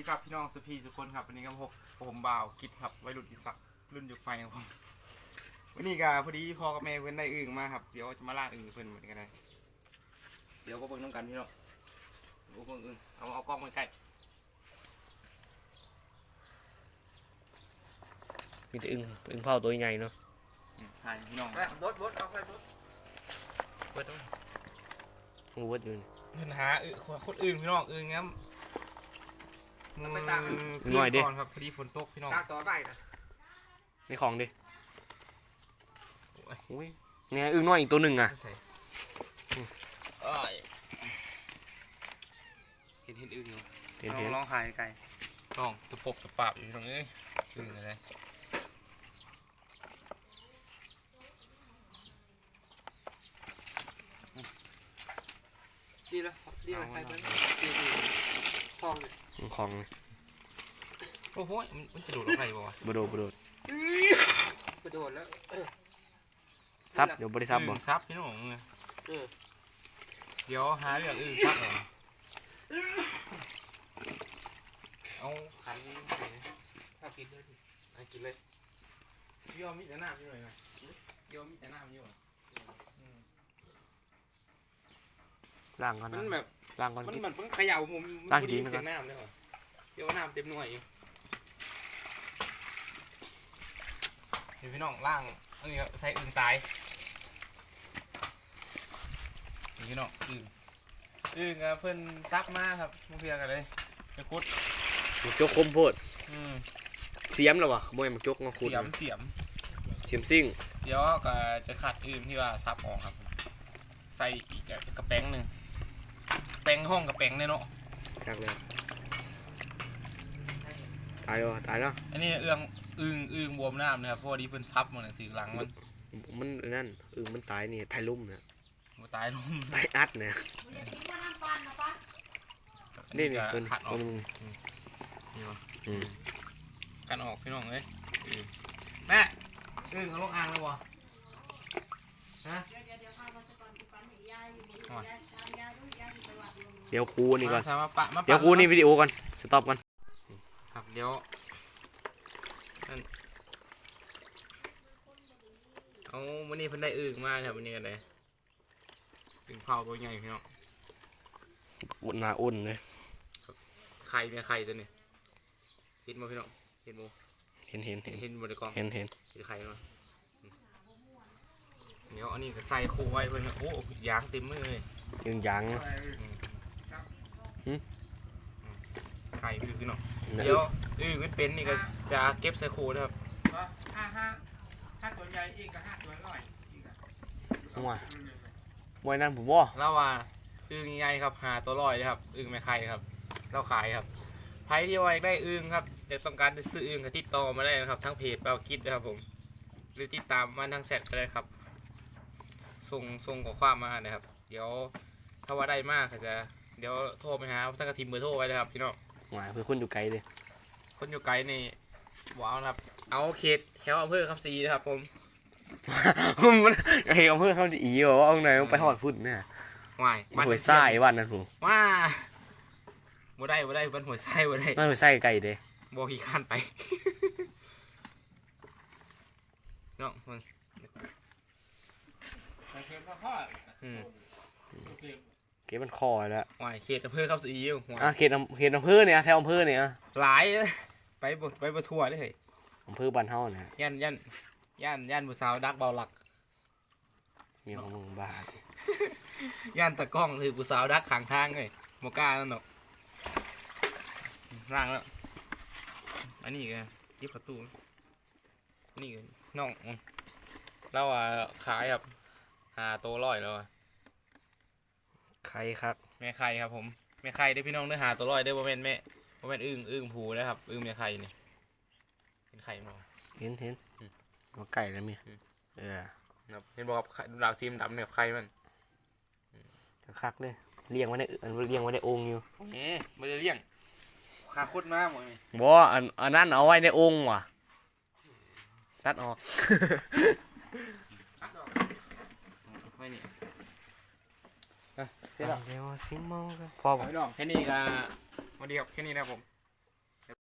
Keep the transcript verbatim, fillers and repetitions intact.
ครับพี่น้องสุพีสุคนครับวันนี้ก็พบผมบ่าวกิดครับวัยรุ่นอิสักรุ่นยุคไฟของผมวันนี้ก็พอดีพ่อกับแม่เพื่อนได้อึ่งมาครับเดี๋ยวจะมาล่าอึ่งเพื่อนเหมือนกันเลยเดี๋ยวก็เบิ่งน้ำกันพี่น้องดูเบิ่งอึ่งเอาเอากล้องมาใกล้มีแต่อึ่งอึ่งเผาตัวใหญ่เนาะถ่ายพี่น้องบดบดเอาไปบดบดงูวัดอยู่เพื่อนหาอึ่งคนอึ่งพี่น้องอึ่งงั้นมือไปตากหน่อยดิก่อนครับพอดีฝนตกพี่น้องตากต่อไปนะในของดิโอ้ยเนี่ยอึ่งน้อยอีกตัวหนึ่งอ่ะเห็นเห็นอึ่งอยู่เห็นเห็นร้องหายไกลน้องตะปบตะปาบอยู่ตรงนี้อึ่งอะไรดีแล้วดีแล้วใส่ไปคลองเลยคลองเลยโอ้โหมันจะดูดออกไปบ่วะบโดบโดดบโดดแล้วซับเดี๋ยวบริซับบ่ซับพี่น้องเดี๋ยวหาเรื่องอื่นซับเหรอเอาขันถ้ากินด้วยไอ้กินเลยยอมมีแต่น้ำอยู่เลยไงยอมมีแต่น้ำอยู่ล่างก่อนนะมันแบบล่างก่อนมันมันเพิ่งเขย่าผมล่างดีเสียงน้ำเลยเหรอเดี๋ยวน้ำเต็มหน่วยเห็นพี่น้องล่างนี่ครับใส่อึ่งตายนี่พี่น้องอึ่งอึ่งเพิ่นซับมาครับมาเพียกันเลยไปคุดมันจกคมโพดเสียมแล้ววะขโมยมันจกมาคุดเสียมเสียมเสียมซิ่งเดี๋ยวก็จะขัดอึ่งที่ว่าซับออกครับใส่อีกกระแป้งหนึ่งแป้งห้องกระแป้งเนี่ยเนาะครับเลยตายแล้วตายแล้วอันนี้เอื้องอึ่งอึ่งบวมน้ำนะครับเพราะว่าดีเพิ่นซับมันถือหลังมันมันนั่นอึ่งมันตายนี่ตายลุ่มเนี่ยมันตายลุ่มตายอัดเนี่ยนี่นี่ตัวขัดออกอืมกันออกพี่น้องเลยแม่อึ่งเอาลงอ่างเลยวะฮะเดี๋ยวครูนี่ก่อนเดี๋ยวครูนี่วิดีโอก่อนสต็อปก่อนครับเดี๋ยวเอาวันนี้เพิ่นได้อึ่งมาครับวันนี้กันเลยอึ่งเผาตัวใหญ่พี่น้องอุ่นหนาอุ่นเลยไข่เนี่ยไข่ตัวนี้เห็นมั้ยพี่น้องเห็นมั้ยเห็นเห็นเห็นเห็นบนกองเห็นเห็นเห็นไข่มั้ยเดี๋ยวอันนี้ก็ใส่คูไว้เพิ่นโอ้ยางเต็มเลยอึ่งยางไข่คือพี่น้องเดี๋ยวอึ่งเป็นนี่ก็จะเก็บใส่คูนะครับห้าห้าห้าตัวใหญ่อีกกับห้าตัวน้อยอีกอะมวยมวยนั่นผมว่าเล่าว่าอึ่งใหญ่ครับหาตัวลอยนะครับอึ่งแม่ไข่ครับเราขายครับใครที่ว่าอยากได้อึ่งครับจะต้องการจะซื้ออึ่งก็ติดต่อมาได้นะครับทั้งเพจเปาคิดนะครับผมหรือติดตามมาทางแชทก็ได้ครับส่งส่งข้อความมานะครับเดี๋ยวถ้าว่าได้มากก็จะเดี๋ยวโทรไปหาท่านกระทิมเบอร์โทรไว้นะครับพี่น้องหมายคือคนอยู่ไกลเลยคนอยู่ไกลนี่ว้าวครับเอาเขตแถวอำเภอคำศรีนะครับผมมันเฮอำเภอคำศรีบอกว่าเอาไหนไปหอดฝุ่นเนี่ยว่ายบ้านหัวไส้บ้านนั้นผมว้าบ่ได้บ่ได้บ้านหัวไส้บ่ได้บ้านหัวไส้ไกลเด้บ่ขี้ข้านไปเนาะมึงเก็บมันคอแล้วว่ายเขตอำเภอคำศรีอยู่อ่ะเขตเขตอำเภอเนี่ยแถวอำเภอเนี่ยหลายไปบดไปบดทัวร์ได้เลยอำเภอบ้านเฮาเนี่ยย่านย่านย่านย่านผู้สาวดักเบาหลักมีของมึงบ้าย่านตะก้องคือผู้สาวดักขังทางเลยโมก้านั่นหรอกร่างแล้วอันนี้ไงยิบประตูนี่ไงน้องเราอ่ะขายครับหาโตร้อยแล้วใครครับแม่ไข่ครับผมแม่ไข่ได้พี่น้องได้หาตัวร้อยได้โมเมนต์แม่โมเมนต์อึ้งอึ้งผูนะครับอึ้งแม่ไข่นี่เห็นไข่มั้งเห็นเห็นมาไก่แล้วมีเออครับเห็นบอกดาวซีมดำเนี่ยไข่มันคักเลยเลี้ยงไว้ในอันเลี้ยงไว้ในองค์อยู่เอ๊ะมันจะเลี้ยงขาโคตรมากหมดเลยบ่อันอันนั้นเอาไว้ในองค์ว่ะตัดออกไม่นี่เสร็จแล้วเดี๋ยวซิมมองกันพอแค่นี้ก็วันเดียวแค่นี้นะผม